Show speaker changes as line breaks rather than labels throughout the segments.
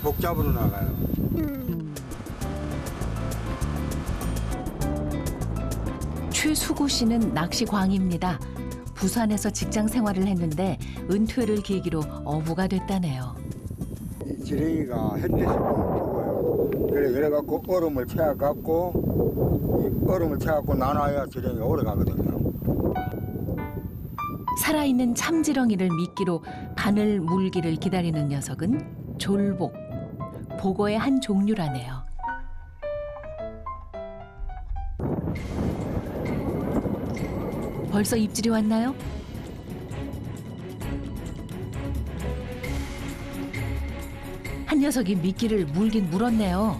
복 잡으러 나가요.
최수구 씨는 낚시광입니다. 부산에서 직장 생활을 했는데 은퇴를 계기로 어부가 됐다네요.
이 지렁이가 햇빛을 죽어요. 그래 그래갖고 얼음을 채워갖고 이 얼음을 채워갖고 나눠야 지렁이가 오래 가거든요.
살아있는 참지렁이를 미끼로 바늘 물기를 기다리는 녀석은 졸복, 보거의 한 종류라네요. 벌써 입질이 왔나요? 한 녀석이 미끼를 물긴 물었네요.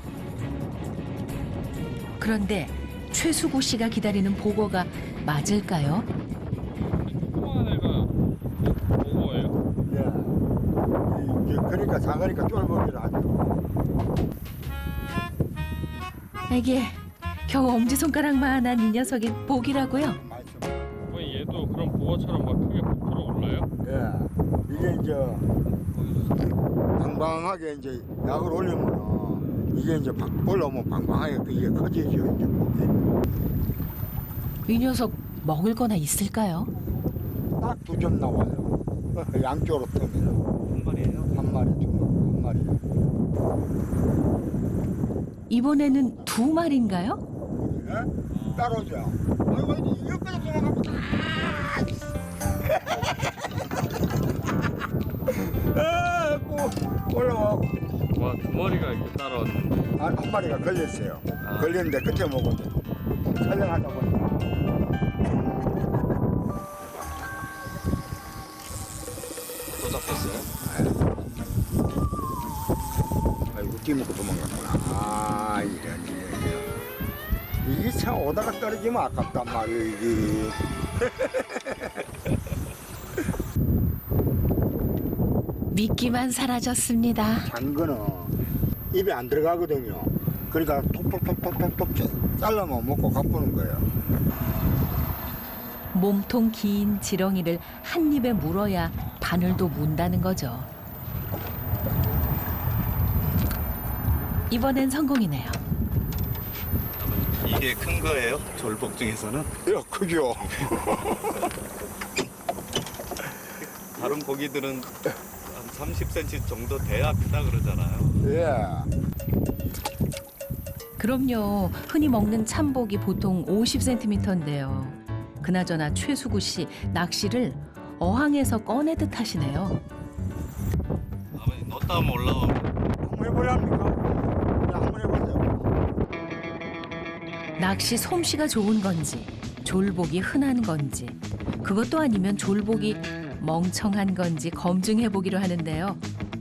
그런데 최수구 씨가 기다리는 보거가 맞을까요?
조그만 애가 보고예요?
예. 그러니까 작으니까 쫄보기를 하죠.
이게 겨우 엄지손가락만한 이 녀석이 복이라고요?
왜 얘도 그런 보고처럼 막 크게 부풀어 올라요?
예. 이게 이제 방방하게 이제 약을 올리면 이게 이제 올라오면 방방하게 이게 커지죠 이제 복이.
이 녀석 먹을 거나 있을까요?
딱 2점 나와요. 양쪽으로 뜨면.
한 마리예요?
한 마리, 한 마리.
이번에는 2마리인가요?
예? 따라오죠. 아이고, 이거 빼서 도망가면 올라와.
와, 2마리가 이렇게 따라왔는데.
한 마리가 걸렸어요.
아.
걸렸는데 끝에 먹고 촬영하다 보니까.
또 잡혔어요?
아이고, 뛰먹고 도망갔구나. 아, 이런. 이게 참 오다가 떨어지면 아깝단 말이에요, 이게.
미끼만 사라졌습니다.
단 거는 입에 안 들어가거든요. 그러니까 톡톡톡톡톡톡 잘라만 먹고 가보는 거예요.
몸통 긴 지렁이를 한 입에 물어야 바늘도 문다는 거죠. 이번엔 성공이네요.
이게 큰 거예요? 졸복 중에서는?
야, 크죠?
다른 고기들은 한 30cm 정도 돼야 크다 그러잖아요.
예.
그럼요. 흔히 먹는 참복이 보통 50cm인데요. 그나저나 최수구 씨 낚시를 어항에서 꺼내듯 하시네요.
아버님 넣었다 하면 올라오면
한번 해보랍니까? 그냥 한번 해보세요.
낚시 솜씨가 좋은 건지 졸복이 흔한 건지 그것도 아니면 졸복이 멍청한 건지 검증해보기로 하는데요.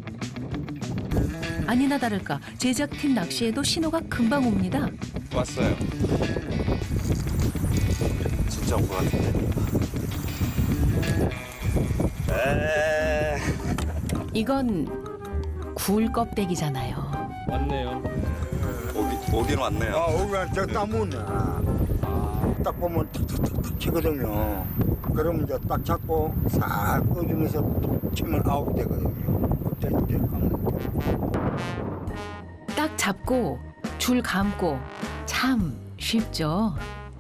아니나 다를까 제작팀 낚시에도 신호가 금방 옵니다.
왔어요. 진짜 온 것 같은데.
이건 굴 껍데기잖아요.
왔네요.
오긴 왔네요.
오면 저 따문네. 딱 보면 탁탁탁탁 치거든요. 그러면 이제 딱 잡고 싹 꺼주면서 톡 치면 아웃 되거든요. 그때 이제
딱 잡고 줄 감고 참 쉽죠.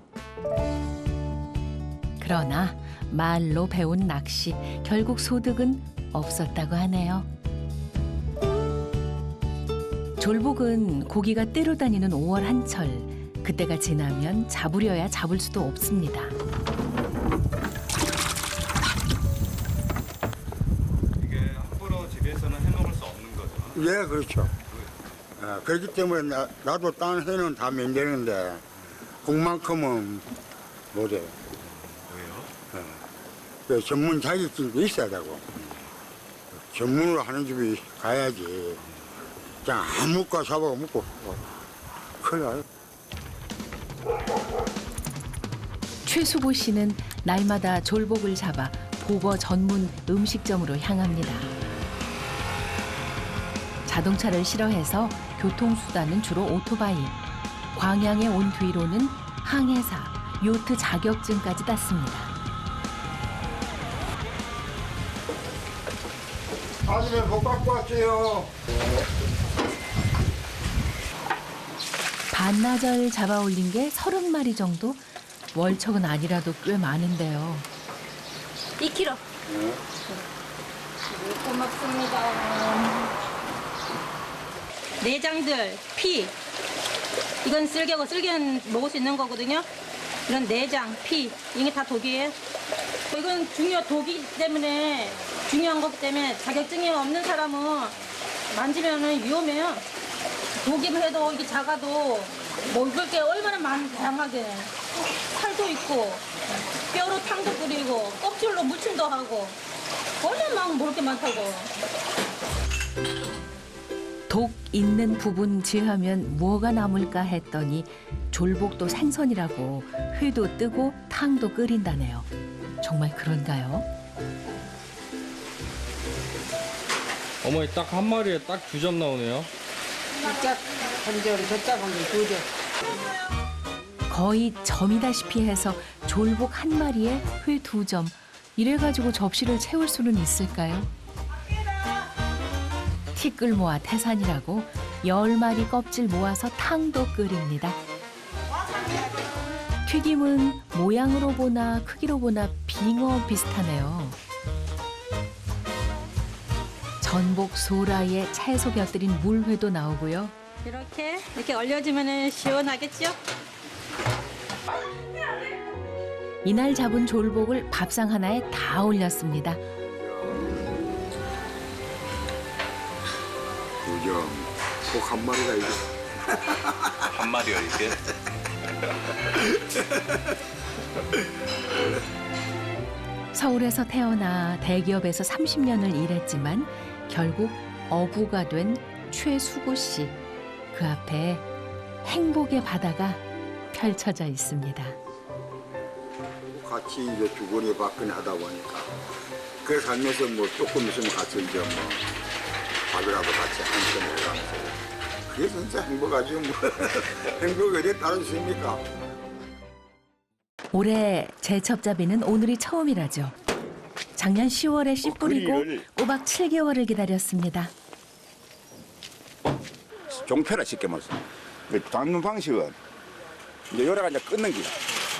그러나 말로 배운 낚시 결국 소득은 없었다고 하네요. 졸복은 고기가 떼로 다니는 5월 한철 그때가 지나면 잡으려야 잡을 수도 없습니다.
이게 함부로 집에서는 해먹을 수 없는 거죠.
예, 그렇죠. 그렇기 때문에 나도 딴 해는 다 면되는데 국만큼은 못해요.
왜요?
그 전문 자격증도 있어야 되고 전문으로 하는 집이 가야지 그냥 아무거나 잡아가 먹고 큰일 나요.
최수보 씨는 날마다 졸복을 잡아 보거 전문 음식점으로 향합니다. 자동차를 싫어해서 교통수단은 주로 오토바이. 광양에 온 뒤로는 항해사, 요트 자격증까지 땄습니다.
아침에 못 갖고 왔어요.
반나절 잡아 올린 게 30마리 정도? 월척은 아니라도 꽤 많은데요.
2kg. 고맙습니다. 내장들, 피. 이건 쓸개고 쓸개는 먹을 수 있는 거거든요. 이런 내장, 피. 이게 다 독이에요. 이건 독이기 때문에 중요한 거기 때문에 자격증이 없는 사람은 만지면 위험해요. 독이면 해도 이게 작아도 먹을 게 얼마나 다양하게. 살도 있고, 뼈로 탕도 끓이고, 껍질로 무침도 하고, 얼마나 먹을 게 많다고.
독 있는 부분 제하면 뭐가 남을까 했더니 졸복도 생선이라고 회도 뜨고 탕도 끓인다네요. 정말 그런가요?
어머니 딱 한 마리에 딱 2점 나오네요.
이짝 한 점, 저짝 한 점, 2점.
거의 점이다시피 해서 졸복 한 마리에 회 2점. 이래가지고 접시를 채울 수는 있을까요? 티끌 모아 태산이라고 10마리 껍질 모아서 탕도 끓입니다. 튀김은 모양으로 보나 크기로 보나 빙어 비슷하네요. 전복 소라에 채소 곁들인 물회도 나오고요.
이렇게 얼려주면 시원하겠죠?
이날 잡은 졸복을 밥상 하나에 다 올렸습니다.
2점. 꼭 한 마리가 이게.
한 마리요 이게?
서울에서 태어나 대기업에서 30년을 일했지만 결국 어부가 된 최수고 씨. 그 앞에 행복의 바다가 펼쳐져 있습니다.
같이 이제 주거니 받거니 하다 보니까 그 살면서 뭐 조금 있으면 같이 이제 뭐 밥이라도 같이 한잔 해가면서 그게 진짜 행복하죠 뭐. 행복이 어디에 따르십니까?
올해 제첩잡이는 오늘이 처음이라죠. 작년 10월에 씨 뿌리고 꼬박 7개월을 기다렸습니다.
종패라 쉽게 말해서. 잡는 방식은 이제 요래가 이제 끊는 기라.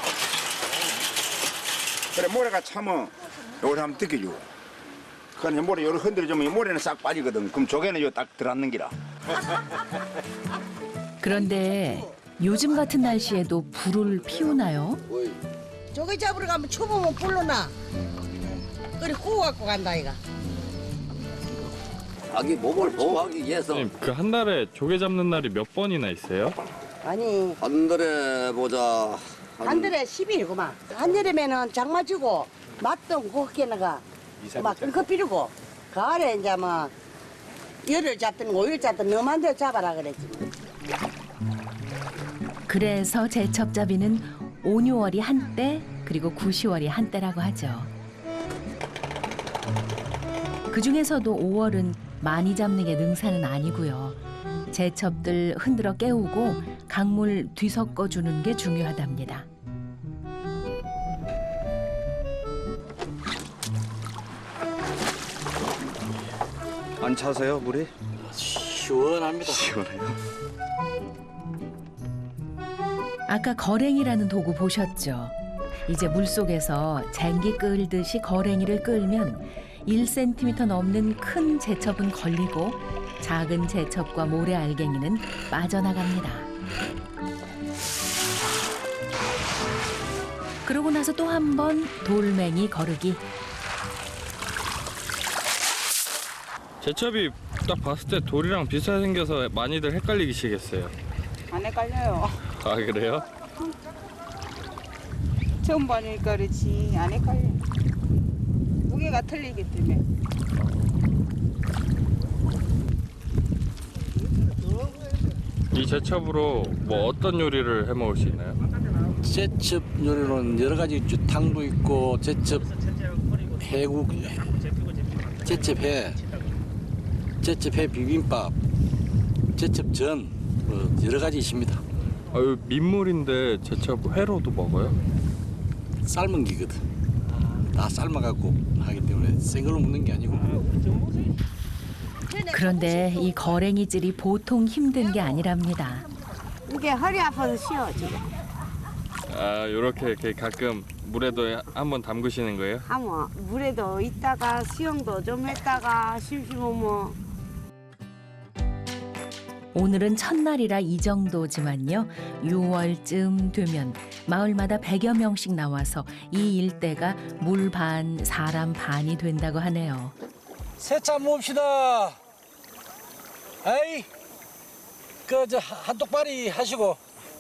그래 모래가 차면 요래 한번 뜯겨주고. 그러니까 모래 요래 흔들어주면 이 모래는 싹 빠지거든. 그럼 조개는 요 딱 들어앉는 기라.
그런데 요즘 같은 날씨에도 불을 피우나요?
조개 잡으러 가면 초보면 불러나. 그래 구워 갖고 간다 이가.
자기 몸을 보호하기 위해서
선생님 그 한 달에 조개 잡는 날이 몇 번이나 있어요?
아니
한 달에 보자
한 달에 10일구만. 한여름에는 장마 주고 맛동 그렇게나가 막 끊고 피르고 가을에 이제 뭐 열흘 잡든 5일 잡든 너만 대 잡아라 그랬지.
그래서 제첩잡이는 5, 6월이 한때 그리고 9, 10월이 한때라고 하죠. 그중에서도 5월은 많이 잡는 게 능사는 아니고요. 제첩들 흔들어 깨우고 강물 뒤섞어 주는 게 중요하답니다.
안 차세요 물이?
시원합니다.
시원해요.
아까 거랭이라는 도구 보셨죠? 이제 물속에서 쟁기 끌듯이 거랭이를 끌면 1cm 넘는 큰 제첩은 걸리고 작은 제첩과 모래알갱이는 빠져나갑니다. 그러고 나서 또 한 번 돌멩이 거르기.
제첩이 딱 봤을 때 돌이랑 비슷하게 생겨서 많이들 헷갈리시겠어요.
안 헷갈려요.
아 그래요?
처음 보니까 그렇지 안 헷갈려. 무게가 틀리기 때문에.
이 제첩으로 뭐 어떤 요리를 해 먹을 수 있나요?
제첩 요리는 여러 가지 있죠. 탕도 있고 제첩 해국, 제첩회, 제첩회 비빔밥, 제첩전 뭐 여러 가지 있습니다.
아유 민물인데 제첩 회로도 먹어요?
삶은 기거든. 다 삶아갖고 하기 때문에 생걸로 먹는 게 아니고.
그런데 이 거랭이질이 보통 힘든 게 아니랍니다.
이게 허리 아파서 쉬어 지금.
아, 요렇게 이렇게 가끔 물에도 한번 담그시는 거예요?
하면 물에도 있다가 수영도 좀 했다가 심심하면.
오늘은 첫날이라 이 정도지만요. 6월쯤 되면 마을마다 100여 명씩 나와서 이 일대가 물 반, 사람 반이 된다고 하네요.
세차 봅시다. 아이, 저 한독발이 하시고.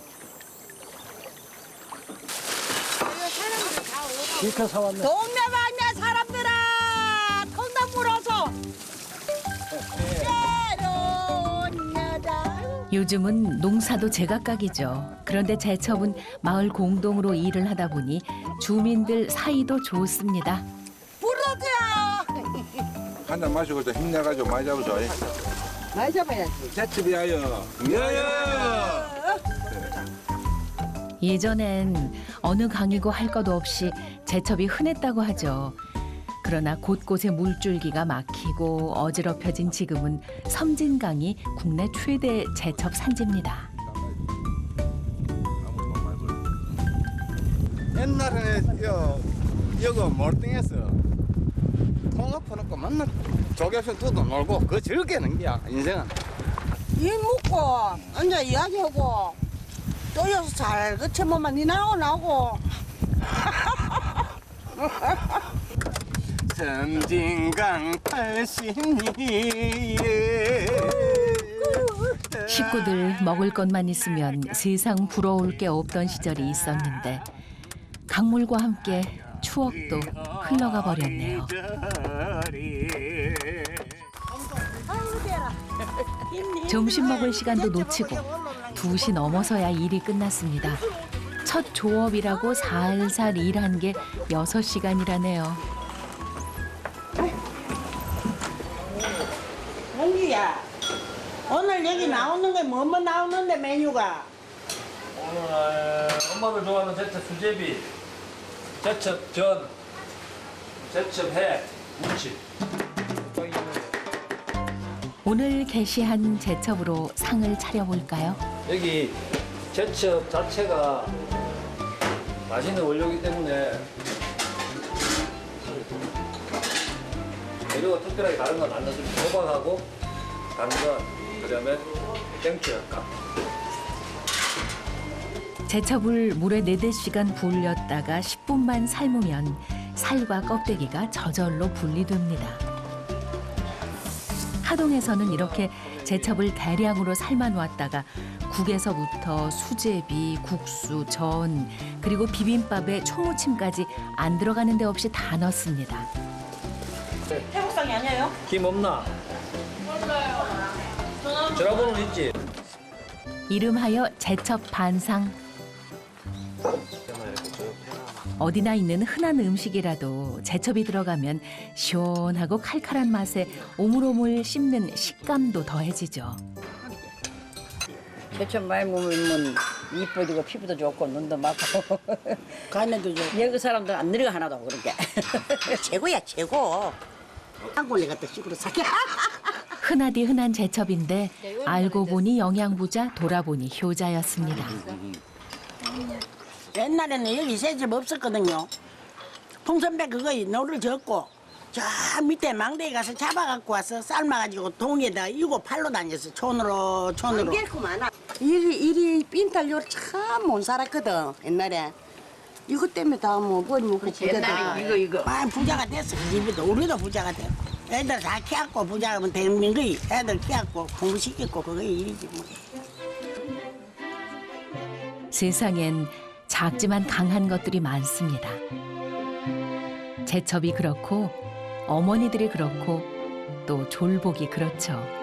실컷 사왔네.
동네 방네 사람들아 통닭 물어서. 새로운 여자.
요즘은 농사도 제각각이죠. 그런데 제첩은 마을 공동으로 일을 하다 보니 주민들 사이도 좋습니다.
불러줘요.
한 잔 마시고 좀 힘내가지고 많이 잡으죠.
많이 잡아야지.
제첩이야요.
예전엔 어느 강이고 할 것 없이 제첩이 흔했다고 하죠. 그러나 곳곳에 물줄기가 막히고 어지럽혀진 지금은 섬진강이 국내 최대 제첩 산지입니다.
옛날에 여기 몰등해서 통화 퍼놓고 맨날 조개수 뜯어 놀고 그 즐기는 게야 인생은.
일 먹고 앉아 이야기하고 또 여기서 잘 그쳐보면 니 나오고
섬진강 80리
식구들 먹을 것만 있으면 세상 부러울 게 없던 시절이 있었는데 강물과 함께 추억도 흘러가 버렸네요. 점심 먹을 시간도 놓치고 2시 넘어서야 일이 끝났습니다. 첫 조업이라고 살살 일한 게 6시간이라네요.
홍기야 오늘 여기 나오는 게 뭐뭐 나오는데 메뉴가?
오늘 엄마들 좋아하는 제첩 수제비, 제첩 전, 제첩 회, 무침.
오늘 게시한 제첩으로 상을 차려볼까요?
여기 제첩 자체가 맛있는 원료이기 때문에 재료가 특별하게 다른 건 안 넣어줍니다. 호박하고 당근, 그다음에 땡초 약간.
제첩을 물에 4-5시간 불렸다가 10분만 삶으면 살과 껍데기가 저절로 분리됩니다. 하동에서는 이렇게 제첩을 대량으로 삶아놓았다가 국에서부터 수제비, 국수, 전, 그리고 비빔밥에 초무침까지 안 들어가는 데 없이 다 넣습니다.
태국상이 아니에요?
김 없나? 몰라요. 전화번호는 있지?
이름하여 제첩 반상. 어디나 있는 흔한 음식이라도 제첩이 들어가면 시원하고 칼칼한 맛에 오물오물 씹는 식감도 더해지죠.
제첩 많이 먹으면 이뻐지고 피부도 좋고 눈도 막고
간에도 좋고
여기 사람들 안 늙어 하나도 그렇게.
최고야 최고. 한골리 갖다 식으로 사게.
흔하디 흔한 제첩인데 알고 보니 영양부자, 돌아보니 효자였습니다.
옛날에는 여기 새집 없었거든요. 풍선배 그거 노를 젓고 저 밑에 망대에 가서 잡아갖고 와서 삶아가지고 동에다 이고 팔로 다녔어. 촌으로. 이리 빈탈 요리 참 못 살았거든 옛날에. 이것 때문에 다 뭐 머리 먹고
옛날에 이거.
아 부자가 됐어. 그 집에도 우리도 부자가 돼. 애들 다 키웠고 부자면 되는 거이. 애들 키웠고 공부시켰고 그거 일이지 뭐.
세상엔 작지만 강한 것들이 많습니다. 제첩이 그렇고 어머니들이 그렇고 또 졸복이 그렇죠.